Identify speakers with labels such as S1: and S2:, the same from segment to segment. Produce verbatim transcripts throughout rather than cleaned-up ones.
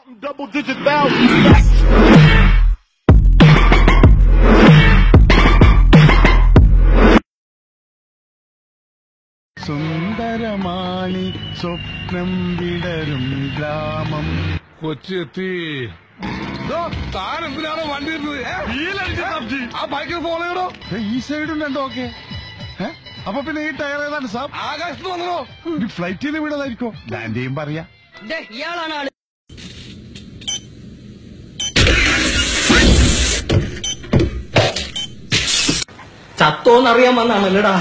S1: Double digit thousands. സുന്ദരമാണി സ്വപ്നം വിടരും ഗ്രാമം കൊച്ചെത്തി. താൻ എന്തിനാണോ വണ്ടി ആ ബൈക്കിൽ ഫോളോ ചെയ്യണോ? ഈ സൈഡുണ്ട്. ഓക്കെ, അപ്പൊ പിന്നെ ഈ ടയർ ഏതാണ് സാർ? ആകാശത്ത് വന്നോ? ഫ്ലൈറ്റ് ചെയ്ത് വിടതായിരിക്കോ? ലാൻഡ് ചെയ്യും പറയാ.
S2: ഇയാളാണ് ആള്. ചത്തോന്നറിയാൻ വന്നാണല്ലടാ.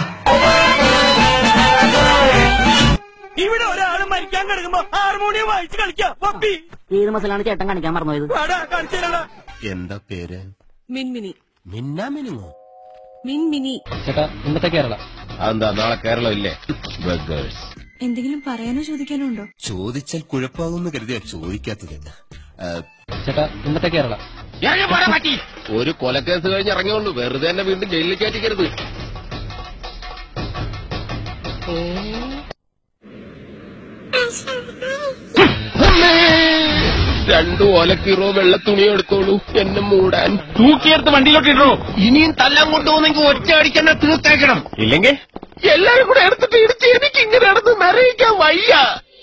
S2: ഇവിടെ ഒരാള് മരിക്കാൻ കിടക്കുമ്പോ ഹാർമോണിയം വായിച്ച് കളിക്കാം. ഏത് മസിലാണ് ചേട്ടൻ കാണിക്കാൻ മറന്നുപോയത്?
S3: എന്താ പേര്?
S4: മിൻമിനി.
S3: മിന്നാ മിനിങ്ങോ?
S4: മിൻമിനി.
S2: ചേട്ടാ ഇന്നത്തെ കേരള.
S3: അതെന്താ നാളെ കേരളം ഇല്ലേ?
S4: എന്തെങ്കിലും പറയാനോ ചോദിക്കാനോ ഉണ്ടോ?
S3: ചോദിച്ചാൽ കുഴപ്പമാകുമെന്ന് കരുതിയാ ചോദിക്കാത്തത്.
S2: ചേട്ടാ ഇന്നത്തെ കേരള.
S3: ഒരു കൊലക്കേസ് കഴിഞ്ഞ് ഇറങ്ങിയുള്ളൂ, വെറുതെ തന്നെ വീണ്ടും ജയിലിൽ കയറ്റിക്കരുത്. രണ്ടു ഓലക്കീറോ വെള്ള തുണി എടുത്തോളൂ എന്നെ മൂടാൻ.
S1: തൂക്കിയെടുത്ത് വണ്ടിയിലോട്ടിട്ടോ.
S3: ഇനിയും തല്ലാൻ കൊണ്ടുപോകുന്നെങ്കിൽ ഒറ്റ അടിക്കന്നെ തീർത്തേക്കണം, ഇല്ലെങ്കിൽ എല്ലാരും കൂടെ എടുത്തിട്ട് ഇടിച്ച് എനിക്ക് ഇങ്ങനെ നടന്ന് നിറയിക്കാൻ വയ്യ.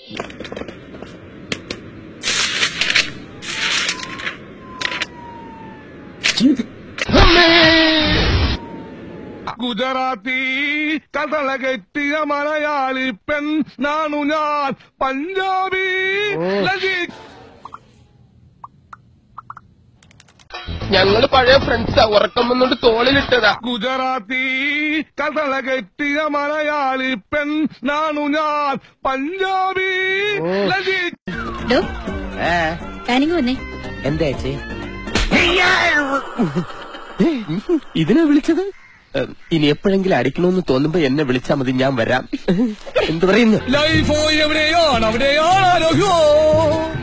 S1: ഗുജറാത്തി കഥള കെട്ടിയ മലയാളി പെൺ നാണു ഞാൻ, പഞ്ചാബി
S3: ഞങ്ങള് പഴയ ഫ്രണ്ട്സാ, ഉറക്കം വന്നോണ്ട് തോളിലിട്ടതാ.
S1: ഗുജറാത്തി കഥള കെട്ടിയ മലയാളി പെൺ നാണു ഞാൻ, പഞ്ചാബി
S2: എന്താ ചേച്ചി ഇതിനെ വിളിച്ചത്?
S3: ഇനി എപ്പോഴെങ്കിലും അടിക്കണമെന്ന് തോന്നുമ്പോ എന്നെ വിളിച്ചാ മതി, ഞാൻ വരാം. എന്തു പറയുന്നു?
S1: ലൈഫോ എവിടെയാണ്, അവിടെയാണ് ആരോഗ്യോ.